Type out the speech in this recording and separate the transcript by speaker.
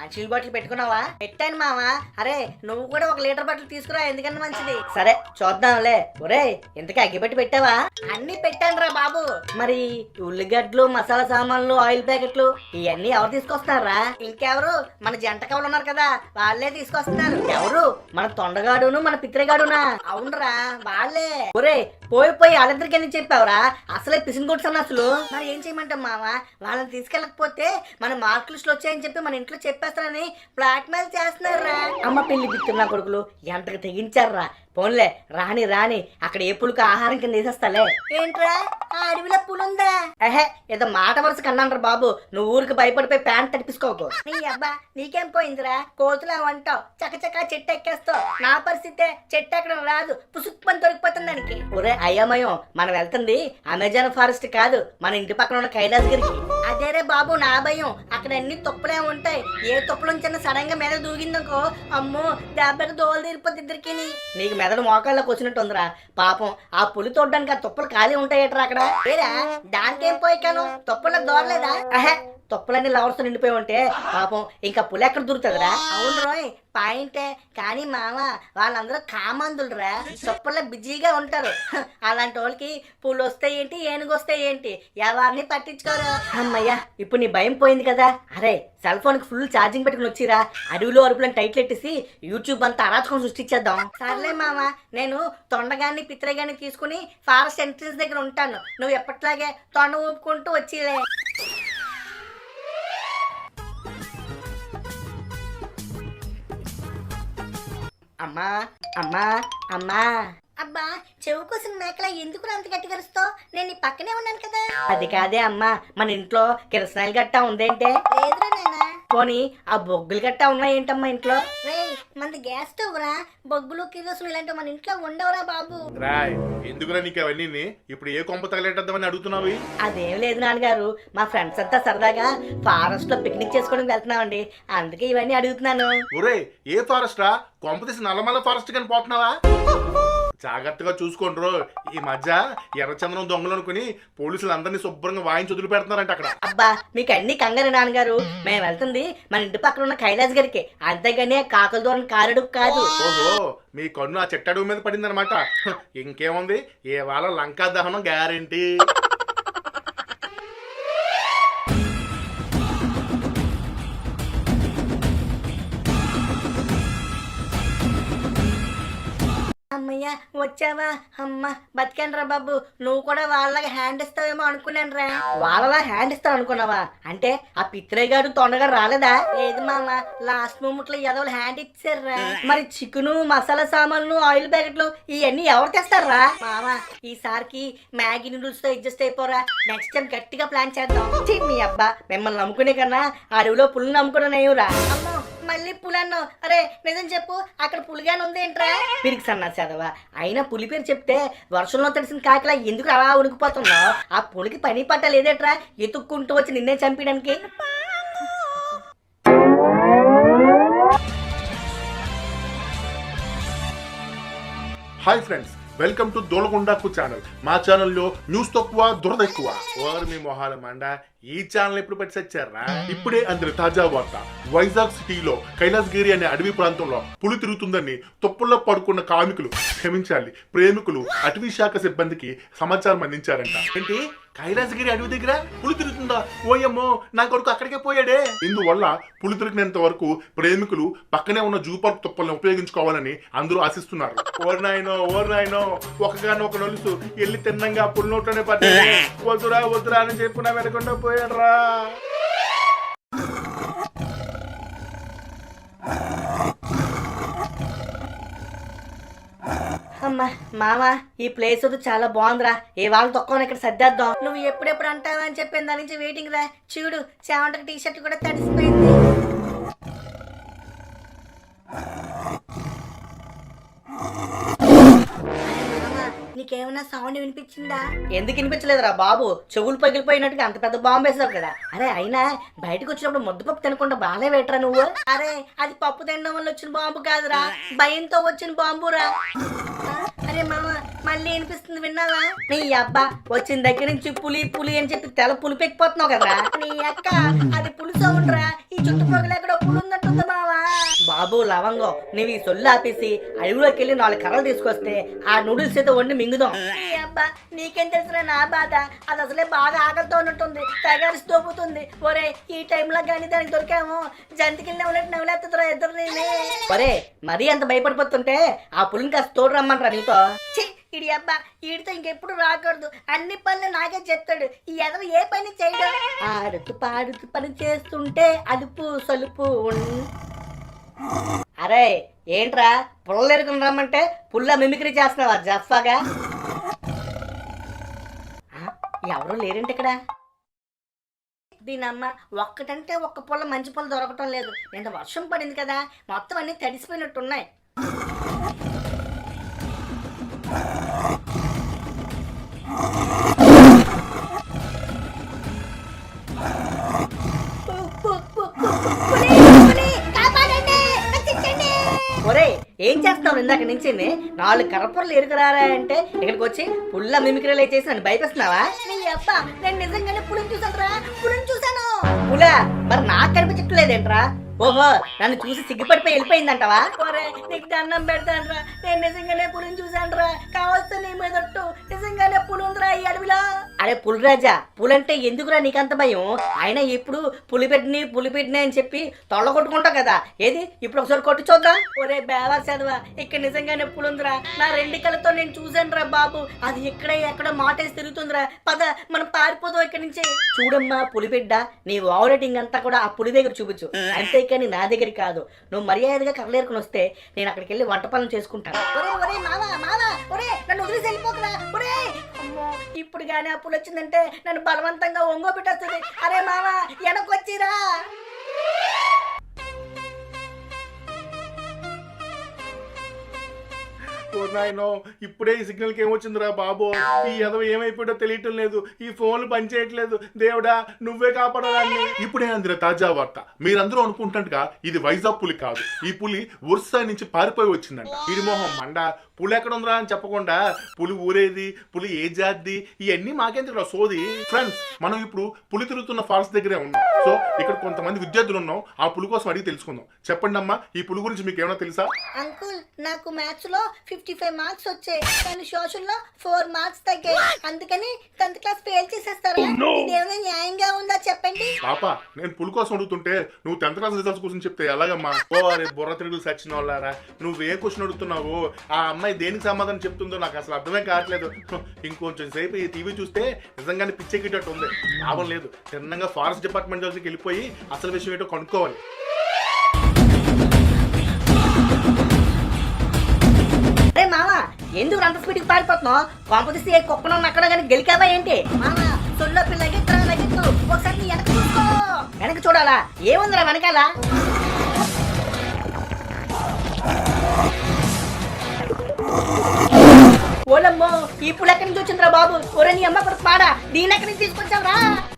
Speaker 1: మంచినీళ్ళ బాటిల్ పెట్టుకున్నావా? పెట్టాను మావా. అరే నువ్వు కూడా 1 లీటర్ బాటిల్ తీసుకురా, ఎందుకన్నా మంచిది. సరే చూద్దాంలే. ఒరే ఇంతకీ అగ్గిపెట్టి పెట్టావా? అన్ని పెట్టాను రా బాబు. మరి ఉల్లిగడ్డలు, మసాలా సామాన్లు, ఆయిల్ ప్యాకెట్లు ఇవన్నీ ఎవరు తీసుకొస్తున్నారా? ఇంకెవరు, మన జంట కవులు ఉన్నారు కదా, వాళ్ళే తీసుకొస్తున్నారు. ఎవరు? మన తొండగాడును మన పిత్రగాడునా? అవునరా వాళ్ళే. ఒరే పోయి వాళ్ళిద్దరికి ఎందుకు చెప్పావురా? అసలే పిసిన్ అసలు. మరి ఏం చేయమంటాం మావా? వాళ్ళని తీసుకెళ్ళకపోతే మన మార్క్ లిస్ట్ వచ్చాయని చెప్పి మన ఇంట్లో చెప్పేస్తారని బ్లాక్ మెయిల్ చేస్తున్నారా? అమ్మ పెళ్లి బిత్తున్నా కొడుకులు ఎంతకు తెగించారా? పోన్లే రాని రాని, అక్కడ ఏ పులుకు ఆహారం కింద వేసేస్తాలే. ఏంట్రా ఆ అడవిలో పులుందా? ఏహే ఏదో మాట వరుస కన్నాండ్రా బాబు. నువ్వు ఊరికి భయపడిపోయి ప్యాంట్ తడిపించుకోకు. నీ అబ్బా నీకేం పోయిందిరా, కోతులా వంటావు, చకచకా చెట్టు ఎక్కేస్తావు. నా పరిస్థితే చెట్టు ఎక్కడం రాదు, పుసుక్కుని దొరికిపోతుంది దానికి. ఒరే అయ్యమయం, మనం వెళ్తుంది అమెజాన్ ఫారెస్ట్ కాదు, మన ఇంటి పక్కన ఉన్న కైలాసగిరికి. అదేరే బాబు నా భయం, అక్కడ అన్ని తుప్పలే ఉంటాయి. ఏ తుప్పలు చిన్న సడన్ గా మీద దూగిందనుకో, అమ్మో దెబ్బకి దోలు తీరిపోద్ది ఇద్దరికి. నీకు మెదడు మోకాళ్ళకి వచ్చినట్టు ఉందిరా. పాపం ఆ పులి తోడ్డానికి ఆ తుప్పలు ఖాళీ ఉంటాయట్రా అక్కడ. ఏరా దానికేం పోయికాను, తుప్పలకు దూరలేదా? అహే తుప్పలన్నీ లవర్స్ నిండిపోయి ఉంటే పాపం ఇంకా పులి ఎక్కడ దొరుకుతుందిరా? అవును రోయ్ పాయింటే, కానీ మామ వాళ్ళందరూ కామందులురా, తుప్పల్లో బిజీగా ఉంటారు. అలాంటి వాళ్ళకి పులు వస్తాయి ఏంటి, ఏనుగు వస్తాయి ఏంటి, ఎవరిని పట్టించుకోరు. అమ్మయ్యా ఇప్పుడు నీ భయం పోయింది కదా. అరే సెల్ ఫోన్ కి ఫుల్ ఛార్జింగ్ పెట్టుకుని వచ్చిరా, అడవిలో అరుపులను టైట్లు ఎట్టేసి యూట్యూబ్ అంతా అరాచకం సృష్టించేద్దాం. సర్లే మామ, నేను తొండగాన్ని పిత్రగాన్ని తీసుకుని ఫారెస్ట్ ఎంట్రన్స్ దగ్గర ఉంటాను. నువ్వు ఎప్పట్లాగే తొండ ఊపుకుంటూ వచ్చిలే. అమ్మా అమ్మా అమ్మా. అబ్బా చెవు కోసం మేకల ఎందుకు అంత గట్టి కరుస్తావు? నేను నీ పక్కనే ఉన్నాను కదా. అది కాదే అమ్మా, మన ఇంట్లో కిరసనాయిలు గట్టా ఉందేంటే? లేదురా నాయనా. పోనీ ఆ బొగ్గులు గట్టా ఉన్నాయేంటమ్మా ఇంట్లో? రే మనది గ్యాస్ స్టవ్ రా, బొగ్గులు కిరోసులు ఇలాంటివి మన ఇంట్లో ఉండవురా బాబు.
Speaker 2: రాయ్ ఎందుకురా నీకు అవన్నీ? ఇప్పుడు ఏ కొంప తగలేటద్దామని అడుగుతున్నావు?
Speaker 1: అదేం లేదు నాన్నగారు, మా ఫ్రెండ్స్ అంతా సరదాగా ఫారెస్ట్ లో పిక్నిక్ చేసుకోవడానికి వెళ్తున్నామండి, అందుకే ఇవన్నీ అడుగుతున్నాను.
Speaker 2: ఒరే ఏ ఫారెస్ట్ రా? కొంప తీసి నల్లమల్ల ఫారెస్ట్ కానీ పోతున్నావా? జాగ్రత్తగా చూసుకోండ్రు. ఈ మధ్య ఎర్రచందనం దొంగలు అనుకుని పోలీసులు అందరినీ శుభ్రంగా వాయించి వదిలి పెడుతున్నారంట అక్కడ.
Speaker 1: అబ్బా మీకు అన్ని కంగారు నాన్నగారు, మేము వెళ్తుంది మన ఇంటి పక్కన ఉన్న కైలాస్ గారికి, అంతేగాని కాకుల దూరం కారుడు కాదు.
Speaker 2: ఓహో మీ కన్ను ఆ చెట్టడుగు మీద పడిందనమాట. ఇంకేముంది, ఏ వాళ్ళ లంకా దహనం గ్యారెంటీ.
Speaker 1: అమ్మయ్య వచ్చావా? అమ్మ బతికానరా బాబు. నువ్వు కూడా వాళ్ళగా హ్యాండ్ ఇస్తావేమో అనుకున్నాను రా. వాళ్ళలా హ్యాండ్ ఇస్తావు అనుకున్నావా? అంటే ఆ పిత్రేగాడు తొండగాడు రాలేదా? లేదు మామ, లాస్ట్ మూమెంట్ లో ఎదవలు హ్యాండ్ ఇచ్చారా. మరి చికెను, మసాలా సామాన్లు, ఆయిల్ ప్యాకెట్లు ఇవన్నీ ఎవరు తెస్తారా? మామ ఈసారికి మ్యాగీ నూడిల్స్ తో అడ్జస్ట్ అయిపోరా. నెక్స్ట్ టైం గట్టిగా ప్లాన్ చేద్దాం. మీ అబ్బా మిమ్మల్ని నమ్ముకునే కన్నా అడవిలో పుల్ని నమ్ముకున్నావురా. అమ్మో మళ్ళీ పులన్నావు. అరే నిజం చెప్పు, అక్కడ పులిగానే ఉంది ఏంట్రా? పిరికి సన్నా చదవా. అయినా పులి పేరు చెప్తే వర్షంలో తడిసిన కాకిలా ఎందుకు అలా ఉనికిపోతున్నావు? ఆ పులికి పని పట్టలేదేట్రా ఎత్తుక్కుంటూ వచ్చి నిన్నే చంపడానికి?
Speaker 2: హాయ్ ఫ్రెండ్స్, వెల్కమ్ టు దోలగుండాకు ఛానల్. మా ఛానల్లో న్యూస్ తక్కువ దురద ఎక్కువ. ఓర్ మీ మొహాల మండ, ఈ ఛానల్ ఎప్పుడు పెట్టి వచ్చారా? ఇప్పుడే అందరి తాజా వార్త. వైజాగ్ సిటీలో కైలాసగిరి అనే అడవి ప్రాంతంలో పులి తిరుగుతుందని తుప్పల్లో పడుకున్న కార్మికులు, క్షమించాలి ప్రేమికులు, అటవీ శాఖ సిబ్బందికి సమాచారం అందించారంట. ఏంటి కైలాసగిరి అడవి దగ్గర పులి తిరుగుతుందా? ఓయమ్మో నా కొడుకు అక్కడికే పోయాడే. ఇందువల్ల పులి తిరిగినంత వరకు ప్రేమికులు పక్కనే ఉన్న జూ పార్క్ తుప్పల్ని ఉపయోగించుకోవాలని అందరూ ఆశిస్తున్నారు. ఓర్ నాయనో ఒకగానో ఒక నలుసు ఎల్లి తిన్నంగా పులి నోట్లోనే పట్టే. వద్దురా అని చెప్పు నా వెనకుండా పోయాడ్రా.
Speaker 1: అమ్మా మామ ఈ ప్లేస్ చాలా బాగుందిరా. ఏ వాళ్ళు తక్కువ ఇక్కడ సర్దేద్దాం. నువ్వు ఎప్పుడెప్పుడు అంటావా అని చెప్పిన దాని నుంచి వెయిటింగ్ రా. చూడు చావంటకి టీ షర్ట్ కూడా తడిసిపోయింది. నీకేమైనా సౌండ్ వినిపించిందా? ఎందుకు వినిపించలేదురా బాబు? చెవులు పగిలిపోయినట్టుగా అంత పెద్ద బాంబు వేసావు కదా. అరే అయినా బయటకు వచ్చినప్పుడు ముద్దపప్పు తినకుండా బాగానే వేటరా నువ్వు. అరే అది పప్పు తినడం వల్ల వచ్చిన బాంబు కాదురా, భయంతో వచ్చిన బాంబురా. అరే మామ మళ్ళీ వినిపిస్తుంది విన్నావా? నీ అబ్బా వచ్చిన దగ్గర నుంచి పులి పులి అని చెప్పి తెల పులిపెక్కిపోతున్నావు కదా. నీ అక్క అది పులి సౌండ్ రా. ఈ చుట్టుపక్కల ఎక్కడో పులి ఉన్నట్టుంది మావా. బాబు లవంగం, నువ్వు ఈ సొల్లు ఆపేసి అడవిలోకి వెళ్ళి 4 కర్రలు తీసుకొస్తే ఆ నూడిల్స్ అయితే వండి మింగుదాం. నీ అబ్బా నీకేం తెలుసురా నా బాధ. అది అసలే బాగా ఆకలితో ఉన్నట్టుంది, తగారిసి తోపుతుంది. ఒరే ఈ టైంలో కానీ దానికి దొరికాము జంతికి నవ్వులేస్తుందిరా ఇద్దరు. ఒరే మరీ అంత భయపడిపోతుంటే ఆ పులిని కాస్త తోడు రమ్మంటారా నీతో. ఇడి అబ్బా వీడితో ఇంకెప్పుడు రాకూడదు, అన్ని పనులు నాకే చెప్తాడు. ఈ ఎదవ ఏ పని చేయడం. ఆడుతూ పాడుతూ పని చేస్తుంటే అదుపు సలుపు అరే ఏంట్రా పుల్లలు ఎరుకుని రమ్మంటే పుల్ల మిమిక్రీ చేస్తున్నావా జఫాగా? ఎవరు లేరేంటి ఇక్కడ? దీనమ్మ ఒక్కటంటే ఒక్క పుల్ల మంచి పుల్ల దొరకటం లేదు. నిన్న వర్షం పడింది కదా, మొత్తం అన్ని తడిసిపోయినట్టున్నాయి. ఒరే ఏం చేస్తావు ఇందాక నుంచి? 4 కర్రపురలు ఎరుకురారా అంటే ఇక్కడికి వచ్చి పుల్ల మిమిక్రీలు చేసి నన్ను భయపేస్తున్నావా? నేను నిజంగానే పులిని చూసాను. పులా మరి నాకు కనిపించట్లేదేంట్రా? ఓహో నన్ను చూసి సిగ్గుపడిపోయి వెళ్ళిపోయిందంటవా? ఒరే నీకు దండం పెడతానరా, నేను నిజంగానే పులిని చూసానురా. కావలసిన నీ మీదట్టు నిజంగానే పులి ఉందిరా ఈ అడవిలో. అరే పులిరాజా, పులంటే ఎందుకురా నీకంత భయం? అయినా ఇప్పుడు పులిపెట్టిని అని చెప్పి తొళ్ళగొట్టుకుంటావు కదా. ఏది ఇప్పుడు ఒకసారి కొట్టు చూద్దాం. ఒరే బేవా చదవా, ఇక్కడ నిజంగానే పులుందిరా. నా 2 కళ్ళతో నేను చూసానురా బాబు. అది ఎక్కడో మాటేసి తిరుగుతుందిరా. పద మనం పారిపోదాం ఇక్కడి నుంచి. చూడమ్మా పులిబిడ్డ, నీ ఓవర్ రేటింగ్ అంతా కూడా ఆ పులి దగ్గర చూపించు, అంతే కానీ నా దగ్గర కాదు. నువ్వు మర్యాదగా కర్రలేరుకుని వస్తే నేను అక్కడికి వెళ్ళి వంట పనులు చేసుకుంటాను. ఇప్పుడు గానీ ఆ పులి వచ్చిందంటే నన్ను బలవంతంగా ఒంగో పెట్టేస్తుంది. అరే మావా వెనకొచ్చిరా.
Speaker 2: నాయనో ఇప్పుడే ఈ సిగ్నల్ కి ఏమొచ్చిందిరా బాబు. ఈ ఎదవ ఏమైపోయాడో తెలియటం లేదు, ఈ ఫోన్లు పనిచేయట్లేదు. దేవుడా నువ్వే కాపాడాలని. ఇప్పుడే అందిన తాజా వార్త. మీరందరూ అనుకుంటున్నట్టుగా ఇది వైజాగ్ పులి కాదు. ఈ పులి ఒరిస్సా నుంచి పారిపోయి వచ్చిందంట. ఇది మొహం మండ. పులి ఎక్కడ ఉందిరా అని చెప్పకుండా పులి ఊరేది, పులి ఏ జాతి, ఇవన్నీ మాకేందుకు సోది. ఫ్రెండ్స్ మనం ఇప్పుడు పులి తిరుగుతున్న ఫారెస్ట్ దగ్గరే ఉన్నాం. సో ఇక్కడ కొంతమంది విద్యార్థులు ఉన్నాం, ఆ పులి కోసం అడిగి తెలుసుకుందాం. చెప్పండి అమ్మా, ఈ పులి గురించి మీకు ఏమైనా తెలుసా?
Speaker 1: అంకుల్ నాకు మ్యాథ్స్ లో 55 మార్క్స్ వచ్చాయి, కానీ సోషల్ లో 4 మార్క్స్ తగ్గాయి. అందుకని 10th క్లాస్ ఫెయిల్ చేసేస్తారా? ఇదేమైనా న్యాయంగా ఉందా చెప్పండి.
Speaker 2: పాప నేను పులి కోసం అడుగుతుంటే నువ్వు 10th క్లాస్ రిజల్ట్స్ కోసం చెప్తే ఎలాగమ్మా? ఓ అరే బుర్ర తిరుగులు సచిన వాళ్ళారా, నువ్వు ఏ క్వశ్చన్ అడుగుతున్నావు, ఆ అమ్మాయి దేనికి సమాధానం చెప్తుందో నాకు అసలు అర్థమే కావట్లేదు. ఇంకొంచెం సేపు ఈ టీవీ చూస్తే నిజంగానే పిచ్చెక్కిటట్టు ఉంది. లాభం లేదు, చిన్నగా ఫారెస్ట్ డిపార్ట్మెంట్ దగ్గరికి వెళ్ళిపోయి అసలు విషయం ఏంటో కనుక్కోవాలి.
Speaker 1: అరే మామ ఎందుకు అంత స్పీడ్కి పారిపోతున్నావు? కాంపిటీస్ ఏ కుక్కను అక్కడ కానీ గెలికావా ఏంటి? మామ సొల్లో పిల్లకి లగెత్తు, ఒకసారి వెనక చూసుకో. వెనక చూడాలా? ఏముందిరా వెనకాల? ఓలమ్మో ఈ పులి ఎక్కడి నుంచి వచ్చిందిరా బాబు? ఒరే నీ అమ్మ కొడుకు పాడా, దీని ఎక్కడి నుంచి తీసుకొచ్చావురా?